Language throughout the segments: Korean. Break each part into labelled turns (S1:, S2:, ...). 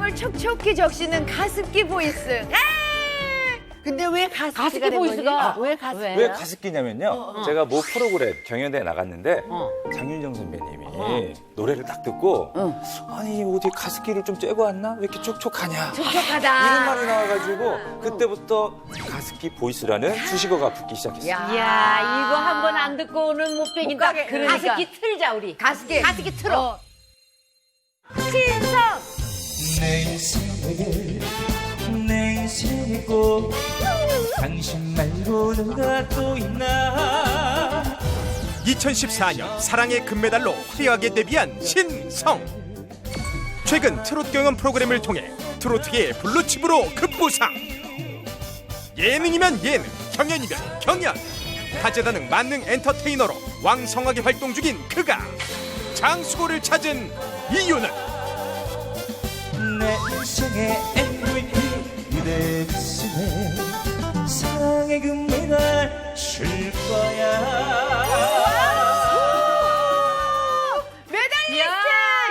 S1: 건강을 촉촉히 적시는 가습기 보이스.
S2: 근데 왜 가습기가 된
S3: 보이스가
S2: 거지? 왜 가습기?
S4: 왜 가습기냐면요. 제가 모 프로그램 경연대에 나갔는데 장윤정 선배님이 노래를 딱 듣고 아니 어디 가습기를 좀 쬐고 왔나? 왜 이렇게 촉촉하냐?
S1: 촉촉하다.
S4: 이런 말이 나와가지고 그때부터 가습기 보이스라는 수식어가 붙기 시작했어요.
S3: 이야, 이거 한 번 안 듣고는 못 빼긴다.
S1: 못 가게. 그러니까.
S3: 가습기 틀자, 우리.
S1: 가습기.
S3: 가습기 틀어.
S1: 신성.
S4: 내 인생에 내 인생에 꼭 당신 말고는 나 또 있나
S5: 2014년 사랑의 금메달로 화려하게 데뷔한 신성. 최근 트로트 경연 프로그램을 통해 트로트계의 블루칩으로 급부상. 예능이면 예능, 경연이면 경연. 다재다능 만능 엔터테이너로 왕성하게 활동 중인 그가 장수고를 찾은 이유는
S4: 내 인생의 MVP 그대 가슴에 사랑의 금메달 줄 거야
S1: 메달리스트.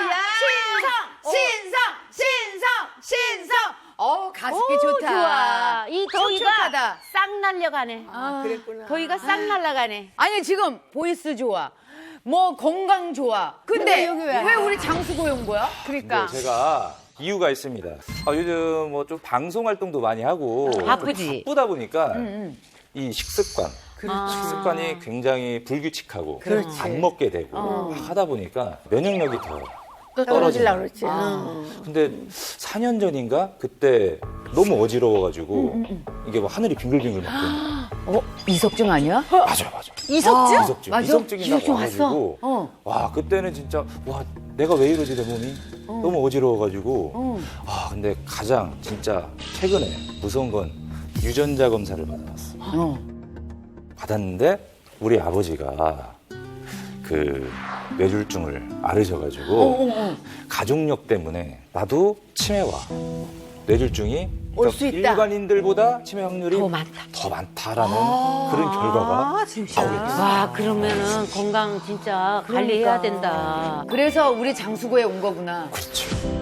S1: 신성. 가습기 좋다.
S3: 좋아. 이 더위가
S1: 촉촉하다.
S3: 싹 날려가네.
S2: 그랬구나.
S3: 더위가 싹 날아가네.
S1: 아니 지금 보이스 좋아. 뭐 건강 좋아. 근데
S2: 여기 왜?
S1: 왜 우리 장수고에 온 거야?
S3: 그러니까.
S4: 제가 이유가 있습니다. 요즘 뭐 좀 방송 활동도 많이 하고
S3: 바쁘지.
S4: 바쁘다 보니까 이 식습관, 식습관이 굉장히 불규칙하고 안 먹게 되고 하다 보니까 면역력이 더
S2: 떨어지려고 그랬지.
S4: 근데 4년 전인가 그때 너무 어지러워가지고 이게 뭐 하늘이 빙글빙글 막 도는
S1: 이석증 아니야?
S4: 맞아.
S1: 이석증?
S4: 이석증이 딱
S1: 이석증
S4: 와가지고 와 그때는 진짜 와 내가 왜 이러지 내 몸이 너무 어지러워가지고 근데 가장 진짜 최근에 무서운 건 유전자 검사를 받아봤어. 받았는데 우리 아버지가 그 뇌졸중을 앓으셔가지고 가족력 때문에 나도 치매와 뇌졸중이
S1: 올수 있다.
S4: 일반인들보다 치매 확률이
S3: 더 많다.
S4: 라는 그런 결과가 나오게 됐어요.
S3: 와, 그러면은 건강 진짜 관리해야 된다.
S1: 그래서 우리 장수고에 온 거구나.
S4: 그렇죠.